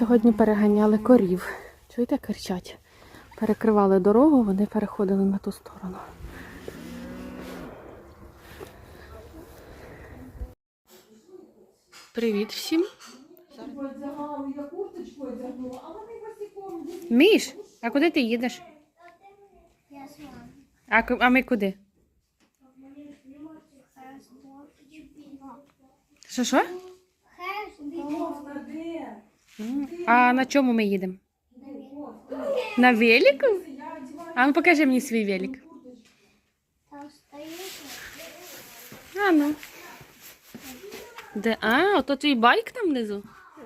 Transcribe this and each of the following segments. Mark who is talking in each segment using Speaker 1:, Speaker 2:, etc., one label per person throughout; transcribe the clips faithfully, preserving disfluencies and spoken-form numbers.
Speaker 1: сьогодні переганяли корів. Чуєте, кричать? Перекривали дорогу, вони переходили на ту сторону. Привіт всім. Міш, а куди ти їдеш? А, а ми куди? Що, що? А на чому ми їдемо? На велику? А ну покажи мені свій велик. А ну. Де? А, ото твій байк там внизу?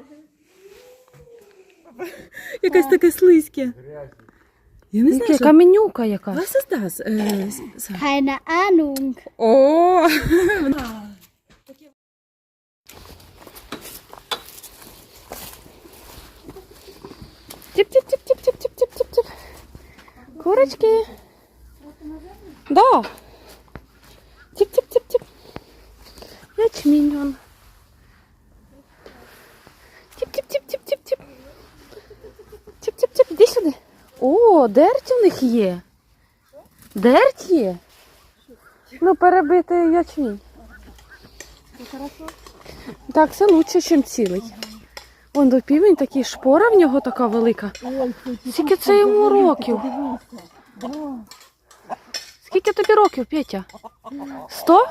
Speaker 2: Якась таке слизьке. Я не знаю,
Speaker 1: яка менюка яка.
Speaker 2: Was ist das? Äh,
Speaker 3: Keine Ahnung.
Speaker 2: О!
Speaker 1: Тип-тип-тип-тип-тип-тип-тип-тип. Курочки. Да. Тип-тип-тип-тип. Ячмінь он. Тип-тип-тип-тип-тип-тип. Тип-тип-тип. Іди сюди. О, дерть у них є. Дерть є. Ну, перебити ячмінь. Так, це краще, ніж цілий. Вон до півень такий, шпора в нього така велика. Скільки це йому років? Скільки тобі років, Петя? Сто?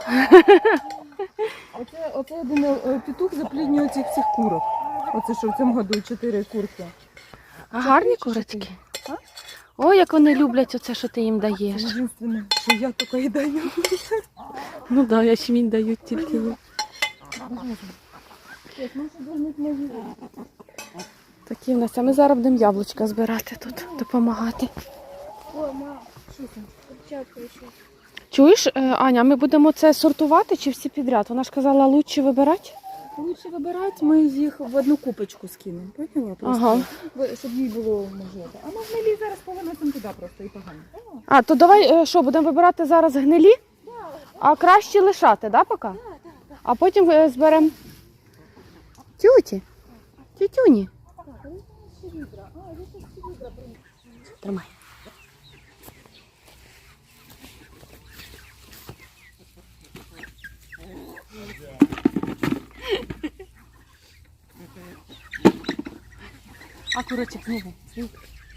Speaker 2: Оце, оце один е, петух запліднює цих всіх курок. Оце що в цьому году чотири курки.
Speaker 1: А гарні курочки? Ой, як вони люблять оце, що ти їм даєш.
Speaker 2: Єдине, що я тільки і даю.
Speaker 1: Ну так, да, ячмінь дають тільки їм. Такі в нас. А ми зараз будемо яблучка збирати тут, допомагати.
Speaker 3: О, мам, що там? Перчатка ще.
Speaker 1: Чуєш, Аня, ми будемо це сортувати чи всі підряд? Вона ж казала, краще вибирати.
Speaker 2: Лучше вибирати, ми їх в одну купочку скинемо. Поняла? Просто,
Speaker 1: Ага.
Speaker 2: щоб їй було можливо. А ми гнилі зараз повиносимо туди просто і погано.
Speaker 1: А, то давай, що, будемо вибирати зараз гнилі? А краще лишати, да, поки? А потім е, зберемо тюті. Тютюні. Тримай. А курочок не ви.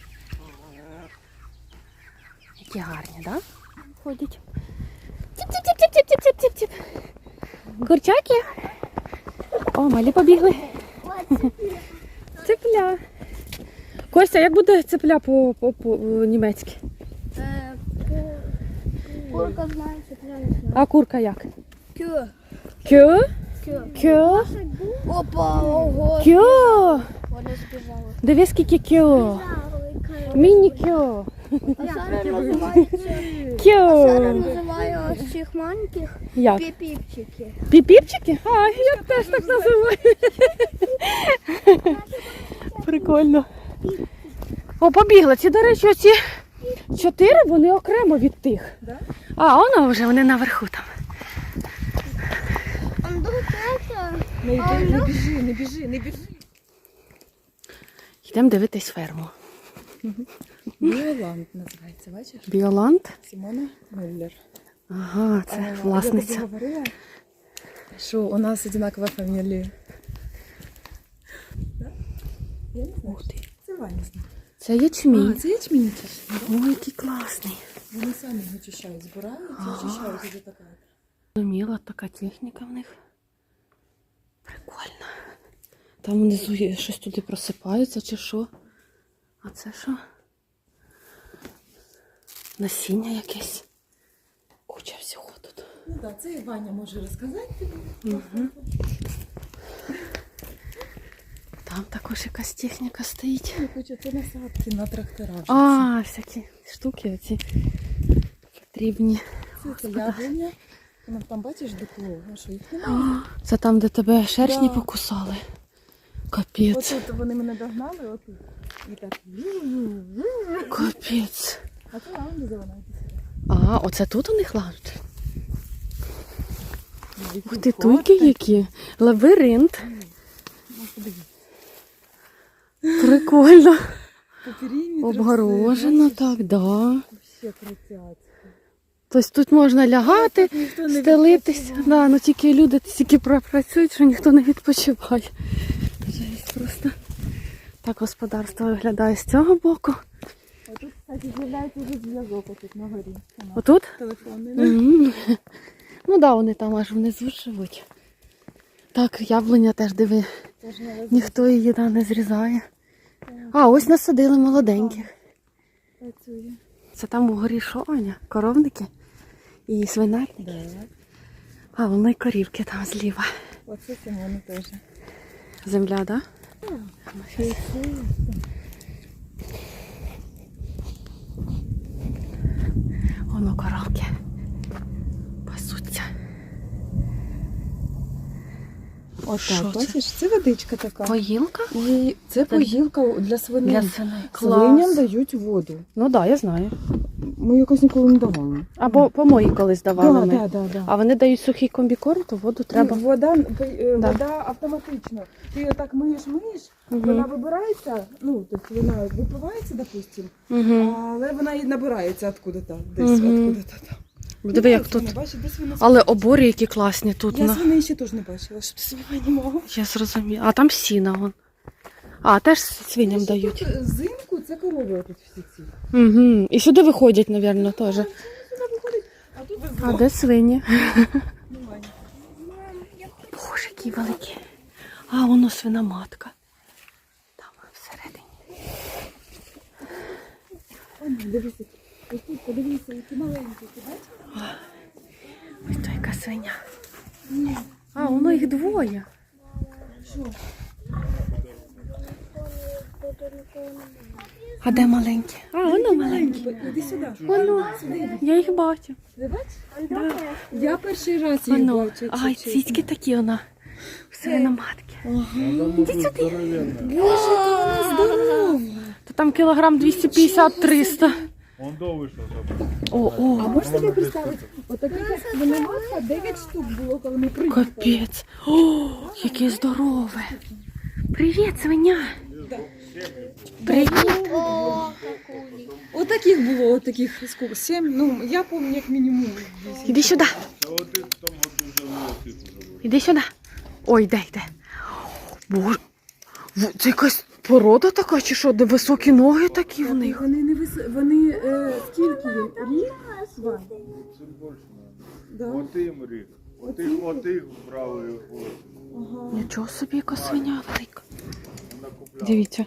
Speaker 1: Які гарні, да? Ходять. Тіп-тіп-тіп-тіп-тіп-тіп-тіп. Курчаки. О, малі побігли. Цепля. Костя, як буде цепля по-німецьки?
Speaker 3: Курка знає, цепля не знає.
Speaker 1: А курка як?
Speaker 3: Кю.
Speaker 1: Кю?
Speaker 3: Кю.
Speaker 1: Кю?
Speaker 3: Опа, ого.
Speaker 1: Кю?
Speaker 3: Вона збіжала.
Speaker 1: Диви, скільки кю. Міні-кю.
Speaker 3: А Сара називається...
Speaker 1: Кю.
Speaker 3: Сара називає ось цих маленьких
Speaker 1: Як?
Speaker 3: піпіпчики.
Speaker 1: Піпіпчики? А, я теж так називаю. Прикольно. О, побігла. Ці, до речі, оці чотири, вони окремо від тих.
Speaker 2: Да?
Speaker 1: А, воно вже, вони наверху там.
Speaker 3: Он догадався.
Speaker 2: Не, йди, не біжи, не біжи, не біжи.
Speaker 1: Йдемо дивитись ферму.
Speaker 2: Біоланд називається, бачиш?
Speaker 1: Біоланд?
Speaker 2: Сімона Мюллер.
Speaker 1: Ага, це
Speaker 2: Я тобі
Speaker 1: власниця.
Speaker 2: говорила, що у нас одинакова фамілія. Да? Я не знаю.
Speaker 1: Ух ти.
Speaker 2: Це Ваня знає.
Speaker 1: Це ячмінь.
Speaker 2: А, це ячмінь чищить.
Speaker 1: Ой, який класний.
Speaker 2: Вони самі його чищають, збирають і очищають. Це така.
Speaker 1: Зрозуміла, така техніка в них. Прикольно. Там внизу є щось туди просипається чи що. А це що? Насіння якесь. Куча всього тут.
Speaker 2: Ну так, це і Ваня може розказати тобі.
Speaker 1: Угу. Там також якась техніка стоїть.
Speaker 2: Куча, це насадки на трактора.
Speaker 1: А, всякі штуки оці потрібні.
Speaker 2: Це, це яблуня. Ну, там бачиш дупло, а що їх немає?
Speaker 1: Це там, де тебе шершні
Speaker 2: Да.
Speaker 1: покусали. Капець.
Speaker 2: Отут вони мене догнали, отут. І так.
Speaker 1: Капець.
Speaker 2: А це лаунді зелена.
Speaker 1: А, оце тут у них лаунж? Ух ти, туйки які. Лабіринт. Прикольно.
Speaker 2: По периметру
Speaker 1: Обгорожено так, да.
Speaker 2: Вообще крутять.
Speaker 1: Тобто тут можна лягати,
Speaker 2: Ніхто не
Speaker 1: стелитись.
Speaker 2: відпочиває.
Speaker 1: Да, ну тільки люди стільки працюють, що ніхто не відпочиває. Жесть просто. Так господарство виглядає з цього боку.
Speaker 2: А тут, кстати, з'являється вже зв'язок отут на горі.
Speaker 1: Отут?
Speaker 2: Телефонний. да?
Speaker 1: Мгм. Ну так, да, вони там аж внизу живуть. Так, яблуня теж диви.
Speaker 2: Теж не лежить.
Speaker 1: Ніхто її да, не зрізає. А, ось насадили молоденьких.
Speaker 2: Працює.
Speaker 1: Це там угорі що, Аня? Коровники і свинарники.
Speaker 2: Да.
Speaker 1: А, воно й корівки там зліва.
Speaker 2: Оце Симону теж.
Speaker 1: Земля, так? Да? Воно коровки пасуться. Що
Speaker 2: Отак,
Speaker 1: це?
Speaker 2: бачиш, це водичка така.
Speaker 1: Поїлка?
Speaker 2: І це поїлка для свиней.
Speaker 1: Для свиней.
Speaker 2: Свиням
Speaker 1: Клас.
Speaker 2: дають воду.
Speaker 1: Ну так, да, я знаю.
Speaker 2: Ми якось ніколи не давали.
Speaker 1: Або помої колись давали
Speaker 2: Да,
Speaker 1: ми.
Speaker 2: да, да, да.
Speaker 1: А вони дають сухий комбікорм, то воду треба.
Speaker 2: Ну, вода, е,
Speaker 1: Да.
Speaker 2: вода автоматично. Ти отак миєш, миєш,
Speaker 1: Мгм.
Speaker 2: вона вибирається, ну, тобто вона випивається, допустим,
Speaker 1: Угу.
Speaker 2: але вона і набирається откуда-то, десь,
Speaker 1: Мгм.
Speaker 2: откуда-то там.
Speaker 1: Диви, як тут.
Speaker 2: Не бачиш, десь вона
Speaker 1: Але обори які класні тут.
Speaker 2: Я
Speaker 1: на-
Speaker 2: свиней ще теж не бачила, щоб свиня не мала.
Speaker 1: Я зрозуміла. А там сіна вон. А, теж свиням дають.
Speaker 2: Тут взимку це корови тут всі ці.
Speaker 1: Угу. І сюди виходять, мабуть, теж.
Speaker 2: Сюди виходить, а тут без
Speaker 1: А де свині?
Speaker 2: немає.
Speaker 1: Боже, які великі. А, воно свиноматка. Там всередині.
Speaker 2: О, дивися, ось тут подивися, які маленькі, ти бачиш?
Speaker 1: Ось то яка свиня. А, воно їх двоє.
Speaker 2: Що?
Speaker 1: А де маленькі? А, воно маленькі.
Speaker 2: Іди сюди.
Speaker 1: Воно. Я їх бачу.
Speaker 2: Ти бачиш? Я перший раз їх
Speaker 1: Воно.
Speaker 2: бачу.
Speaker 1: Ай, цицьки такі вона. Свиноматки.
Speaker 2: Іди сюди. Боже, яка вона здорова.
Speaker 1: То там кілограм двісті п'ятдесят - триста.
Speaker 4: Он до вийшов.
Speaker 1: О,
Speaker 2: А
Speaker 1: о,
Speaker 2: можеш собі представити, отаких як свиноматка дев'ять штук було, коли ми приїхали.
Speaker 1: капець. О, яке здорове. Привіт, свиня. Привіт.
Speaker 2: Отаких було, отаких скільки? Сім, ну я пам'ятаю як мінімум. вісім.
Speaker 1: Іди сюди.
Speaker 4: Та от ти в тому году вже вилетів уже було.
Speaker 1: Іди сюди. Ой, йде, йде. Боже. В- Це якась порода така, чи що, де високі ноги такі в них?
Speaker 2: Вони не вис... вони е, скільки їм? Рік? Два.
Speaker 4: Це більше,
Speaker 2: Да?
Speaker 4: мабуть. Отим рік. Отих, отих брали його.
Speaker 2: Ага.
Speaker 1: Нічого собі, яка свиня велика.
Speaker 4: Вона купляла.
Speaker 1: Дивіться.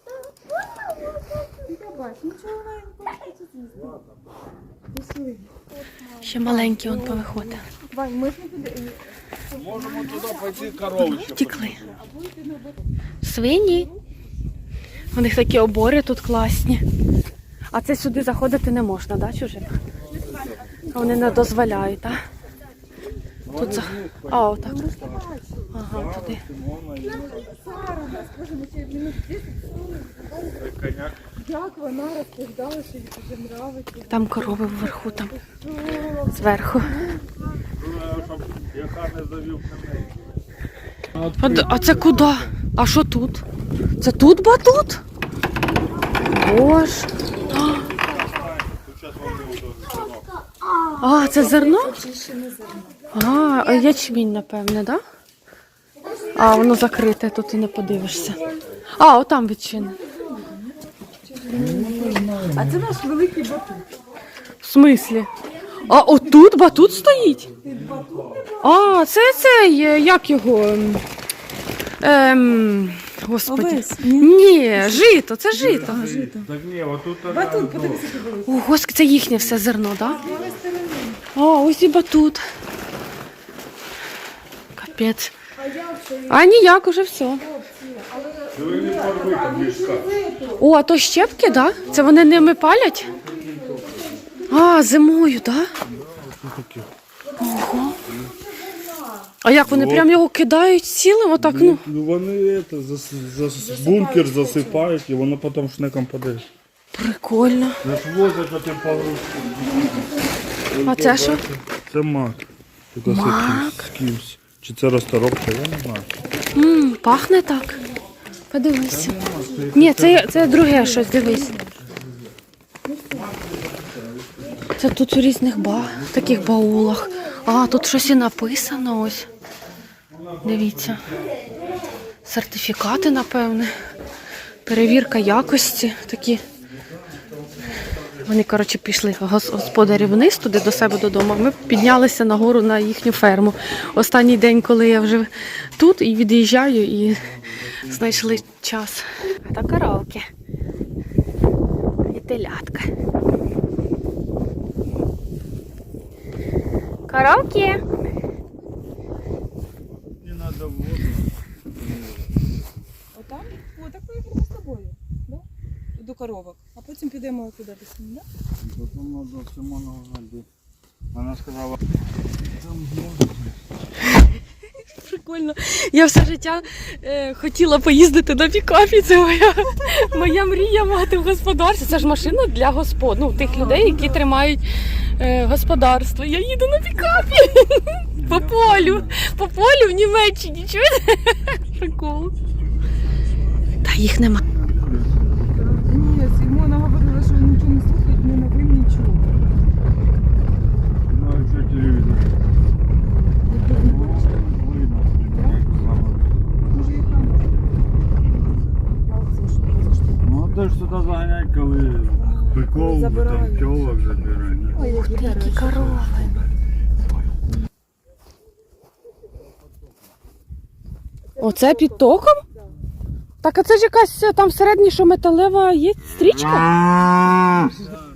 Speaker 2: Ти бач, нічого вона не хоче з'їсти. Пішли.
Speaker 1: Ще маленькі он повиходить.
Speaker 2: Вань, ми ж не підемо.
Speaker 4: Можемо туди пойти корову ще.
Speaker 1: Втікли. Свині. У них такі обори тут класні. А це сюди заходити не можна, да, чужим? Вони не дозволяють, так? Тут за... А, отак. Ага, туди.
Speaker 2: Сара, Боже, ми ще минут десять.
Speaker 4: Коняк.
Speaker 2: Як вона розповідала, що їй дуже нравиться.
Speaker 1: Там корови вверху, там зверху.
Speaker 4: Щоб яка не завів коней.
Speaker 1: А, д- а це куди? А що тут? Це тут батут? Боже.
Speaker 4: Тут зараз вони удовлетворені.
Speaker 1: А, це зерно?
Speaker 2: Очищене зерно.
Speaker 1: А, а ячмінь, напевне, да? А, воно закрите, тут і не подивишся. А, отам відчини.
Speaker 2: А це наш великий батут.
Speaker 1: В смислі? А отут батут стоїть? А, це цей, е, як його? ем, Ем, господи.
Speaker 2: Овес,
Speaker 1: Ні, жито, це жито.
Speaker 4: Так ні, отут
Speaker 2: Батут, подивися, який великий.
Speaker 1: О, господи, це їхнє все зерно, так? Да? А, ось і батут. Капець. А ніяк, уже все.
Speaker 4: ви не порви там мішка.
Speaker 1: О, а то щепки, так? Да? Це вони ними палять? А, зимою, так? Да? Ого. А як вони прям його кидають цілим, отак, ну?
Speaker 5: Ну, вони це, зас, зас, бункер засипають і воно потім шнеком падає.
Speaker 1: Прикольно.
Speaker 5: Не ж возять оті погрузки.
Speaker 1: А це що?
Speaker 5: Це мак. Це
Speaker 1: Мак?
Speaker 5: з кимсь. Чи це розторопка, я не знаю.
Speaker 1: М, пахне так. Подивися. Ні, це, це друге щось, дивись. Це тут у різних ба... таких баулах. А, тут щось і написано ось. Дивіться. Сертифікати, напевне. Перевірка якості такі. Вони, коротше, пішли гос- господарі вниз туди до себе додому. Ми піднялися нагору на їхню ферму. Останній день, коли я вже тут і від'їжджаю, і знайшли час. А то коровки. І телятка. Коровки!
Speaker 5: Не надо воду.
Speaker 2: Отам? О, так поїхали з тобою. Да? До коровок. А потім підемо туди до сім, да?
Speaker 5: Потім надо Симона узнати. Вона сказала,
Speaker 1: Прикольно. Я все життя е, хотіла поїздити на пікапі. Це моя, моя мрія мати в господарстві. Це ж машина для господ, ну, тих людей, які тримають е, господарство. Я їду на пікапі по полю. По полю в Німеччині. Чуєте? Прикол. Та їх нема.
Speaker 2: Ні, Сімона говорила, що нічого не слухають, не новин, нічого.
Speaker 5: ну а що телевізор? Видно,
Speaker 2: Може і там. Молодці, що позаштовхнули.
Speaker 5: ну а ти ж сюди заганяй, коли биков, там
Speaker 2: Забирають.
Speaker 5: пчолок забирають.
Speaker 2: Ой, які
Speaker 1: Які корови. Оце під током? Так, а це ж якась е, там всередині, що металева є стрічка?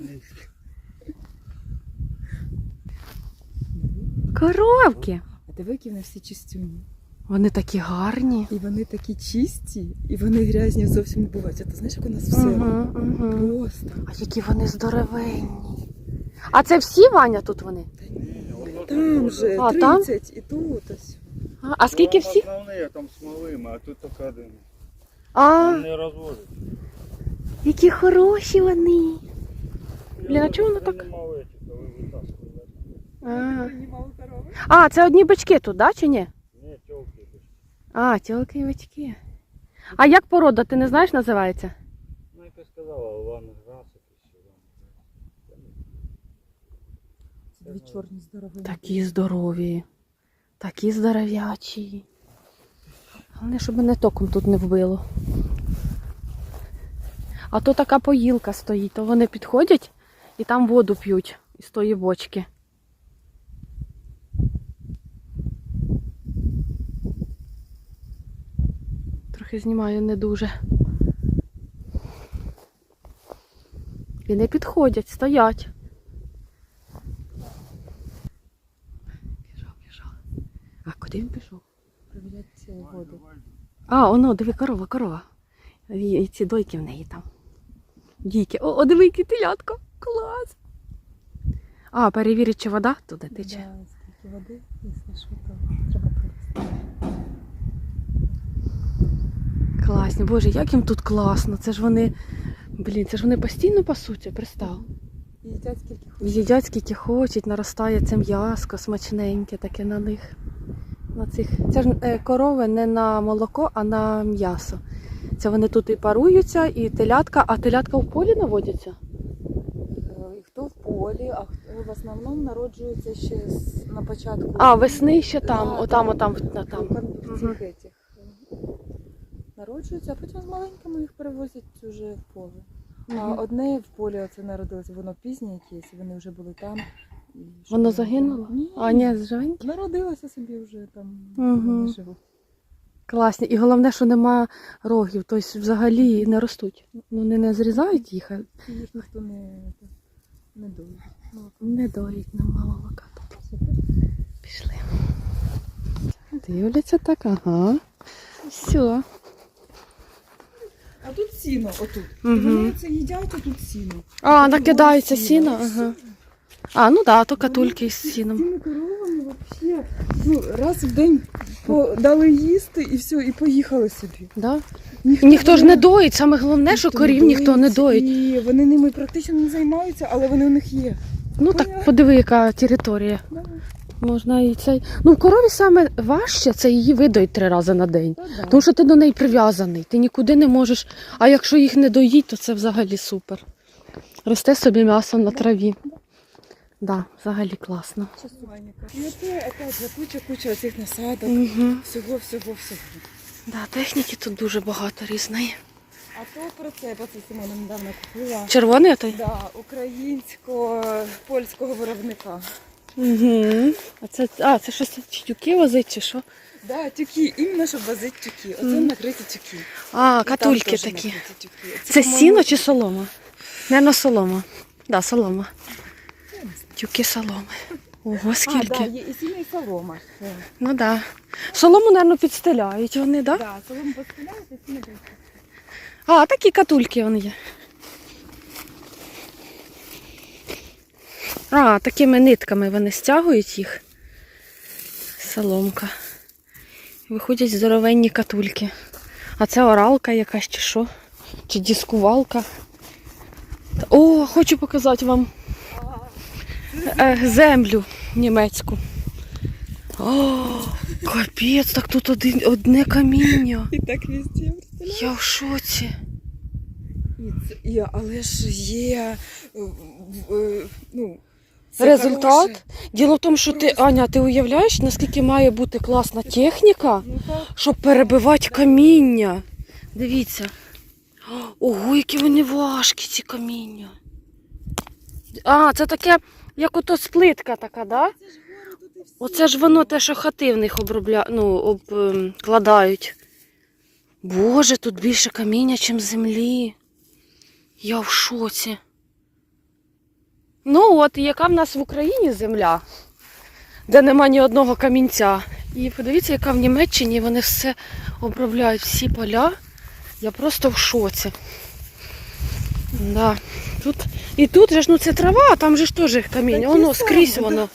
Speaker 1: Коровки.
Speaker 2: А диви, які вони всі чистюні.
Speaker 1: Вони такі гарні.
Speaker 2: І вони такі чисті, і вони грязні зовсім не бувають. А ти знаєш, як у нас все?
Speaker 1: Угу, угу.
Speaker 2: Просто.
Speaker 1: А які вони здоровенні. А це всі, Ваня, тут вони?
Speaker 2: Там же
Speaker 1: А, там?
Speaker 2: тридцять і тут ось.
Speaker 1: А, а скільки всі?
Speaker 5: Основні, там смолими, а тут тільки один.
Speaker 1: А,
Speaker 5: Не розводять.
Speaker 1: які хороші вони. Блін, а чому воно так? А. А, це одні бички тут, да, чи ні?
Speaker 5: Ні, тілки.
Speaker 1: А, тілки і бички. А як порода, ти не знаєш, називається?
Speaker 5: Ну, як я сказала, Іван Грас
Speaker 2: Це дві чорні здорові.
Speaker 1: Такі здорові. Такі здоров'ячі. Головне, щоб мене током тут не вбило. А то така поїлка стоїть, то вони підходять і там воду п'ють із тої бочки. Трохи знімаю не дуже. І не підходять, стоять. Пішов, пішов. А куди він пішов?
Speaker 2: Провіряти цю воду.
Speaker 1: А, оно, диви, корова, корова. І, і ці дойки в неї там. Дійки. О, о, диви, який телятко. Клас. А, перевірить, чи вода туди тече.
Speaker 2: Да, скільки води, якщо що, то треба пролізти.
Speaker 1: Класні. Боже, як їм тут класно. Це ж вони, блін, це ж вони постійно пасуться, пристав.
Speaker 2: І їдять скільки хочуть.
Speaker 1: Їдять скільки хочуть, наростає це м'яско смачненьке таке на них. На цих. Це ж е, корови не на молоко, а на м'ясо. Це вони тут і паруються, і телятка, а телятка в полі наводяться?
Speaker 2: Е, Хто в полі, а хто в основному народжується ще з- на початку.
Speaker 1: А, весни ще там,
Speaker 2: Да,
Speaker 1: отам,
Speaker 2: да.
Speaker 1: отам, на там.
Speaker 2: В цих
Speaker 1: Мгм.
Speaker 2: етіх. Народжуються, а потім з маленькими їх перевозять вже в поле. А
Speaker 1: Мгм.
Speaker 2: одне в полі оце народилося, воно пізнє якесь, і вони вже були там. І щоб
Speaker 1: Воно
Speaker 2: вони-
Speaker 1: загинуло?
Speaker 2: Ні,
Speaker 1: А, ні, живенькі?
Speaker 2: народилося собі вже там,
Speaker 1: Мгм.
Speaker 2: вони живуть.
Speaker 1: Класні. І головне, що нема рогів, тобто взагалі не ростуть. Ну, вони не зрізають їх, а
Speaker 2: І їх ніхто не, не дує.
Speaker 1: не доїть, нема молока тут. Пішли. Дивляться так, ага. Все.
Speaker 2: А тут сіно, отут.
Speaker 1: Мгм.
Speaker 2: І вони це їдять, а тут сіно.
Speaker 1: А,
Speaker 2: Тут
Speaker 1: накидається
Speaker 2: було
Speaker 1: сіно,
Speaker 2: і
Speaker 1: ага.
Speaker 2: все.
Speaker 1: А, ну так, да, то катульки із сіном.
Speaker 2: З цими коровами вообще, ну, раз в день по- дали їсти і все, і поїхали собі.
Speaker 1: Да? Ніхто ж не доїть, саме головне, що
Speaker 2: ніхто
Speaker 1: корів ніхто не доїть.
Speaker 2: І вони ними практично не займаються, але вони у них є.
Speaker 1: Ну так подиви, яка територія.
Speaker 2: Да.
Speaker 1: Можна і цей. Ну, в корові саме важче це її видоїть три рази на день.
Speaker 2: Та да.
Speaker 1: Тому що ти до неї прив'язаний, ти нікуди не можеш. А якщо їх не доїть, то це взагалі супер. Росте собі м'ясо на траві. Да, взагалі класно.
Speaker 2: І оце опять же куча-куча цих насадок.
Speaker 1: Угу.
Speaker 2: Всього, всього, всього.
Speaker 1: Да, техніки тут дуже багато різної.
Speaker 2: А то прицепа це Симона недавно купила.
Speaker 1: Червоний той?
Speaker 2: Да, українсько-польського виробника.
Speaker 1: Угу. А це, а, це щось тюки возить чи що?
Speaker 2: Да, тюки, іменно щоб возити тюки. Оце
Speaker 1: Мгм.
Speaker 2: накриті тюки.
Speaker 1: А,
Speaker 2: І там
Speaker 1: катульки
Speaker 2: теж
Speaker 1: такі.
Speaker 2: накриті тюки.
Speaker 1: Це
Speaker 2: по-моєму,
Speaker 1: сіно чи солома? Наверно, солома. Да, солома. Тюки соломи. Ого,
Speaker 2: А, да,
Speaker 1: скільки.
Speaker 2: є і сіно, і солома. Все.
Speaker 1: Ну да. Солому, напевно, підстеляють вони, да?
Speaker 2: Да, солому постеляють, і сіно підстеляють.
Speaker 1: А, такі катульки вони є. А, такими нитками вони стягують їх. Соломка. Виходять здоровенні катульки. А це оралка якась чи що? Чи дискувалка. О, хочу показати вам е, землю німецьку. О, капець, так тут один, одне каміння.
Speaker 2: І так везде, представляєш?
Speaker 1: Я в шоці.
Speaker 2: І це, і, але ж є, е, е, ну, це
Speaker 1: Результат.
Speaker 2: хороше.
Speaker 1: Діло в тому, що ти, Аня, ти уявляєш, наскільки має бути класна техніка,
Speaker 2: Ну, так.
Speaker 1: щоб перебивати каміння. Дивіться. Ого, які вони важкі, ці каміння. А, це таке, як ото сплитка така, да? Оце ж воно те, що хати в них обробля... ну, обкладають. Боже, тут більше каміння, ніж землі. Я в шоці. Ну от, і яка в нас в Україні земля, де нема ні одного камінця. І подивіться, яка в Німеччині вони все обробляють, всі поля. Я просто в шоці. Да. Тут, і тут же ж, ну це трава, а там же ж теж каміння.
Speaker 2: Такі
Speaker 1: Воно
Speaker 2: самі,
Speaker 1: скрізь
Speaker 2: да.
Speaker 1: воно.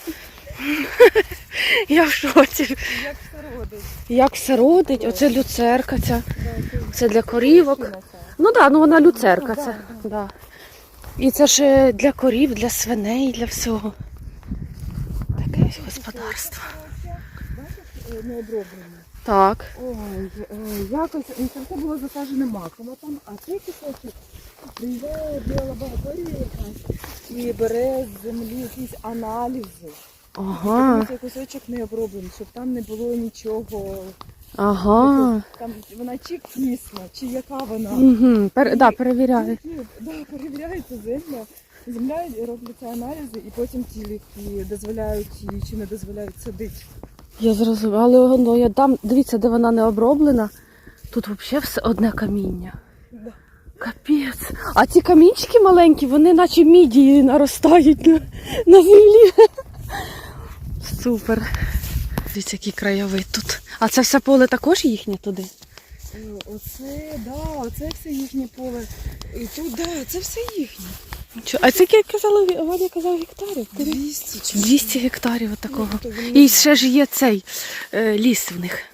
Speaker 1: Я в шоці.
Speaker 2: Як все родить.
Speaker 1: Як все родить, оце люцерка ця.
Speaker 2: Да,
Speaker 1: Це для корівок.
Speaker 2: це
Speaker 1: Ну так, да, ну вона люцерка
Speaker 2: Ну,
Speaker 1: це.
Speaker 2: да,
Speaker 1: Да. І це ж е, для корів, для свиней, для всього. Таке ось господарство.
Speaker 2: Бачиш, не оброблено.
Speaker 1: Так.
Speaker 2: Ой, е, якось, ну, це все було засаджене маком, а там, а цей кусочок приїжджає біла лабораторія якась і бере з землі якісь аналізи.
Speaker 1: Ага.
Speaker 2: Тому цей кусочок не оброблений, щоб там не було нічого.
Speaker 1: Ага.
Speaker 2: Там вона чи кисла, чи яка вона.
Speaker 1: Угу. Пер, да, перевіряю.
Speaker 2: Ні, да, перевіряється земля. Земля робляться аналізи і потім ті ліки дозволяють їй чи не дозволяють садити.
Speaker 1: Я зрозуміла, але ну, я дам, дивіться, де вона не оброблена. Тут взагалі все одне каміння.
Speaker 2: Да.
Speaker 1: Капець. А ці камінчики маленькі, вони наче мідії наростають на, на землі. Супер. Дивіться, який краєвид тут. А це все поле також їхнє туди?
Speaker 2: Е, Оце, да, оце все їхнє поле. І тут, да, це все їхнє.
Speaker 1: Чо- А це, як казала, Ваня казав, гектарів?
Speaker 2: двісті чи
Speaker 1: двісті гектарів от такого.
Speaker 2: Ну, то вони-
Speaker 1: І ще ж є цей е, ліс в них.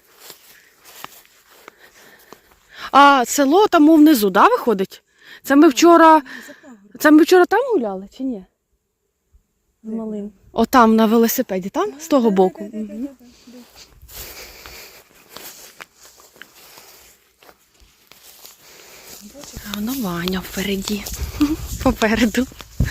Speaker 1: А село там мов внизу, да, виходить? Це ми вчора, це ми вчора там гуляли чи ні? З малим. О, там на велосипеді, там? З того боку. Мгм. А воно Ваня впереді. Попереду.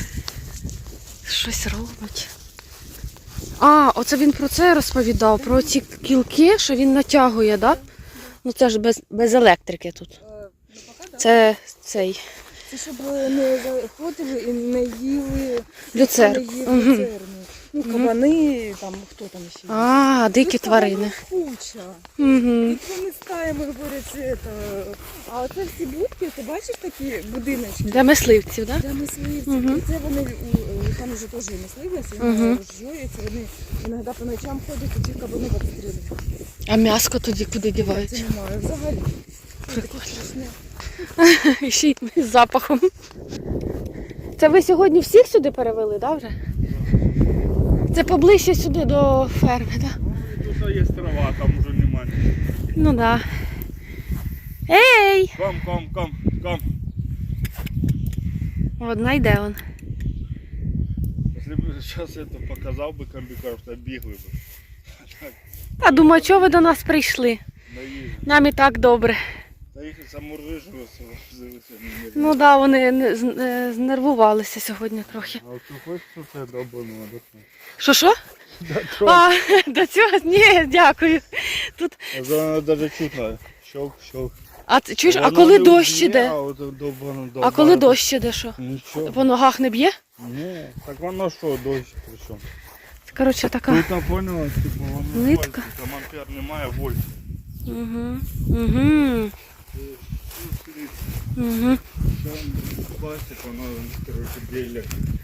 Speaker 1: Щось робить. А, оце він про це розповідав, про ці кілки, що він натягує, так? Да? Ну це ж без, без електрики тут. Це цей
Speaker 2: Це щоб не заходили і не їли
Speaker 1: люцер.
Speaker 2: не їли
Speaker 1: Мгм.
Speaker 2: люцерну. Ну, кабани, там, хто там ще є.
Speaker 1: А, дикі
Speaker 2: Тут
Speaker 1: тварини.
Speaker 2: кабанів куча.
Speaker 1: Угу.
Speaker 2: І вони стаями говорять, це, а оце всі будки, ти бачиш такі будиночки?
Speaker 1: Для мисливців, так? Да?
Speaker 2: Для мисливців.
Speaker 1: Мгм.
Speaker 2: І це вони, у- там вже теж є мисливець,
Speaker 1: Мгм.
Speaker 2: вони розжуються, вони іноді по ночам ходять, і ті кабани обстрілюють.
Speaker 1: А м'яско тоді куди
Speaker 2: Це
Speaker 1: дівають?
Speaker 2: немає взагалі. Це таке
Speaker 1: Прикольно.
Speaker 2: страшне.
Speaker 1: І ще й з запахом. Це ви сьогодні всіх сюди перевели, так, вже? Це поближче сюди до ферми, так? Да?
Speaker 4: Тут є трава, там уже немає.
Speaker 1: Ну так. Да. Ей!
Speaker 4: Ком, ком, ком, ком.
Speaker 1: Одна йде он.
Speaker 5: Якщо б зараз це показав би комбікар, то бігли б.
Speaker 1: Та думаю, чого ви до нас прийшли?
Speaker 5: Наїжджу.
Speaker 1: Нам і так добре.
Speaker 5: Та їх замурижували, завелися мені.
Speaker 1: Ну так, да, вони не- з- е, знервувалися сьогодні трохи.
Speaker 5: А ти хочеш це добаного?
Speaker 1: Що що? А, до цього? Ні, дякую. Тут...
Speaker 5: Вона навіть чутно. Щелк, щелк.
Speaker 1: А це- чуєш, а
Speaker 5: Вона
Speaker 1: коли
Speaker 5: не
Speaker 1: дощ
Speaker 5: вб'є,
Speaker 1: іде?
Speaker 5: А, от довбано,
Speaker 1: А
Speaker 5: довбано.
Speaker 1: коли дощ іде, що?
Speaker 5: Нічого.
Speaker 1: По ногах не б'є?
Speaker 5: Ні, так воно що, дощ при чому?
Speaker 1: Коротше, така.
Speaker 5: Тут я поняла, типу, воно
Speaker 1: Нитка.
Speaker 5: вольт, там ампер немає, вольт.
Speaker 1: Угу. Угу. Угу.
Speaker 5: Пластик, воно, коротше, біля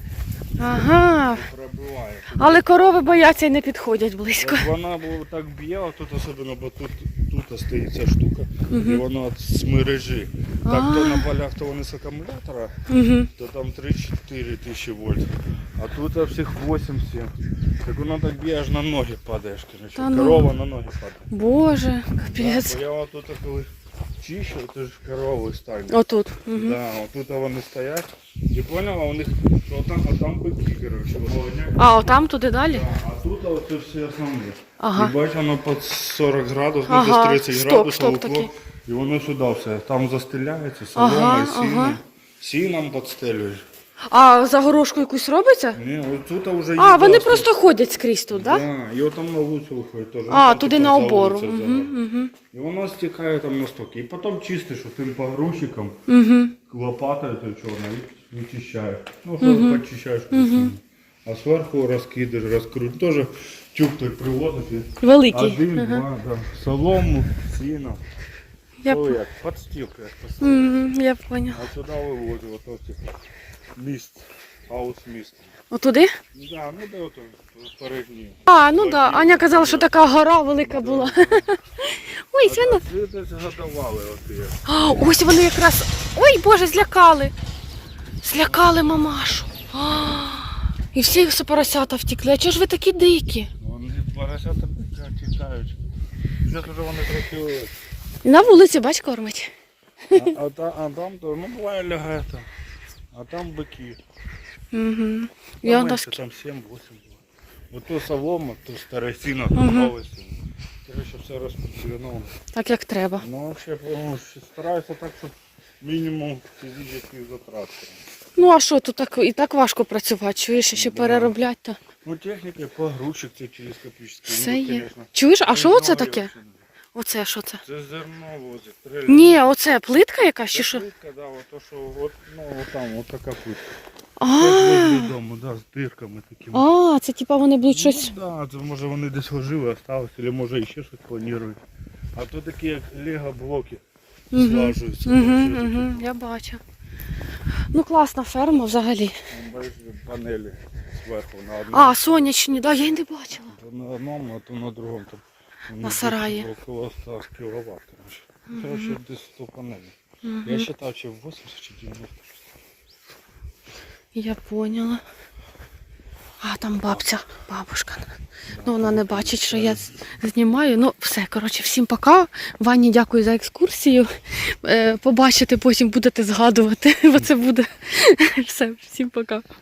Speaker 1: Ага.
Speaker 5: пробиває.
Speaker 1: Але корови бояться і не підходять близько.
Speaker 5: От вона було так б'є, а тут особливо, бо тут, тут стоїть ця штука, і воно з мережі. Так, то на полях, то вони з акумулятора,
Speaker 1: Угу.
Speaker 5: то там три-чотири тисячі вольт. А тут всіх вісім-сім. Так воно так б'є, аж на ноги падаєш, коротше.
Speaker 1: Та ну.
Speaker 5: Корова на ноги падає.
Speaker 1: Боже,
Speaker 5: Да,
Speaker 1: капець.
Speaker 5: бо я отут коли чищу, то ж корови стануть.
Speaker 1: Отут. Угу.
Speaker 5: Да, отут вони стоять. І поняла, у них, що там, а там бики, коротше, головняк.
Speaker 1: А, отам туди далі?
Speaker 5: Да, а тут оце всі основні.
Speaker 1: Ага.
Speaker 5: І бач, воно під сорок градусів,
Speaker 1: Ага,
Speaker 5: ну десь тридцять
Speaker 1: стоп,
Speaker 5: градусів
Speaker 1: стоп
Speaker 5: уклон.
Speaker 1: таки.
Speaker 5: І воно сюди все. Там застеляється,
Speaker 1: Ага,
Speaker 5: соломою, сіном.
Speaker 1: ага.
Speaker 5: Сіном підстелюєш.
Speaker 1: А загорожку якусь робиться?
Speaker 5: Ні, от тут вже є.
Speaker 1: А, вони
Speaker 5: доступ.
Speaker 1: просто ходять скрізь тут, так? Да?
Speaker 5: Да, і от там на вулицю виходить теж.
Speaker 1: А,
Speaker 5: Там
Speaker 1: туди
Speaker 5: типу
Speaker 1: на обору.
Speaker 5: за
Speaker 1: Угу,
Speaker 5: вулицю
Speaker 1: угу,
Speaker 5: І воно стікає там на стоки. І потім чистиш тим погрузчиком,
Speaker 1: угу.
Speaker 5: лопатою той чорною, і вичищаєш. Ну, що почищаєш красиво. А зверху розкидаєш, розкрутиш. Теж тюк той привозиш. і
Speaker 1: Великий.
Speaker 5: Один,
Speaker 1: Ага.
Speaker 5: два, да. Солому, сіно.
Speaker 1: Я,
Speaker 5: То
Speaker 1: п-
Speaker 5: як, подстілка, як поставити.
Speaker 1: Мгм, я поняла.
Speaker 5: А сюди вивозив, ото типу, міст, хаус міст.
Speaker 1: Отуди?
Speaker 5: Да, ну де ото передній.
Speaker 1: А, ну так. Да. Аня казала, що така гора велика була. Ой, свино.
Speaker 5: Це десь годували оті.
Speaker 1: А, ось вони якраз. Ой, Боже, злякали. Злякали мамашу. А, і всі поросята втекли. А чого ж ви такі дикі?
Speaker 5: Вони поросята тікають. Зараз вже вони трохи.
Speaker 1: І на вулиці, бач, кормить.
Speaker 5: А, а, та- а там то, ну буває лягає там. А там бики.
Speaker 1: Угу.
Speaker 5: Там
Speaker 1: Я
Speaker 5: менше,
Speaker 1: доски.
Speaker 5: там сім-вісім. Ото солома, то старе сіно,
Speaker 1: Мгм.
Speaker 5: то нове сіно. Короче, все розподілено.
Speaker 1: Так як треба.
Speaker 5: Ну, взагалі, ну, стараюся так, щоб мінімум фізичних затрат.
Speaker 1: Ну а що, тут так і так важко працювати, чуєш, ще
Speaker 5: Да.
Speaker 1: переробляти то.
Speaker 5: Ну, техніка, погрузчик це телескопічний.
Speaker 1: Все
Speaker 5: ну,
Speaker 1: є.
Speaker 5: конечно.
Speaker 1: Чуєш, а що оце
Speaker 5: Много
Speaker 1: таке?
Speaker 5: його ще не-
Speaker 1: Оце що це?
Speaker 5: Це зерно возить. трейлер.
Speaker 1: Ні, оце плитка якась чи
Speaker 5: Це
Speaker 1: що?
Speaker 5: плитка, да, от то, що, от, ну, от там, от така плитка.
Speaker 1: А,
Speaker 5: Це возле дому, да, з дирками такими.
Speaker 1: а, це типа вони будуть щось.
Speaker 5: Ну, да, це може вони десь ожили, осталось, або може ще щось планують. А то такі як лего-блоки
Speaker 1: Угу.
Speaker 5: злажуються.
Speaker 1: Угу,
Speaker 5: там все
Speaker 1: угу,
Speaker 5: таке.
Speaker 1: я бачу. Ну класна ферма взагалі.
Speaker 5: Там, бачиш, панелі зверху на одному.
Speaker 1: А, сонячні, да, я й не бачила.
Speaker 5: То на одному, а то на другому. Там, вони
Speaker 1: На
Speaker 5: десь
Speaker 1: сараї.
Speaker 5: Около ста кіловат, коротше. Коротше, десь сто панелей. Я
Speaker 1: Угу.
Speaker 5: вважав, чи вісімдесят, чи дев'яносто.
Speaker 1: Я поняла. А, там бабця, бабушка. Ну, вона не бачить, що я з- знімаю. Ну, все, коротше, всім пока. Вані, дякую за екскурсію. Е, побачите, потім будете згадувати, бо це буде. Все, всім пока.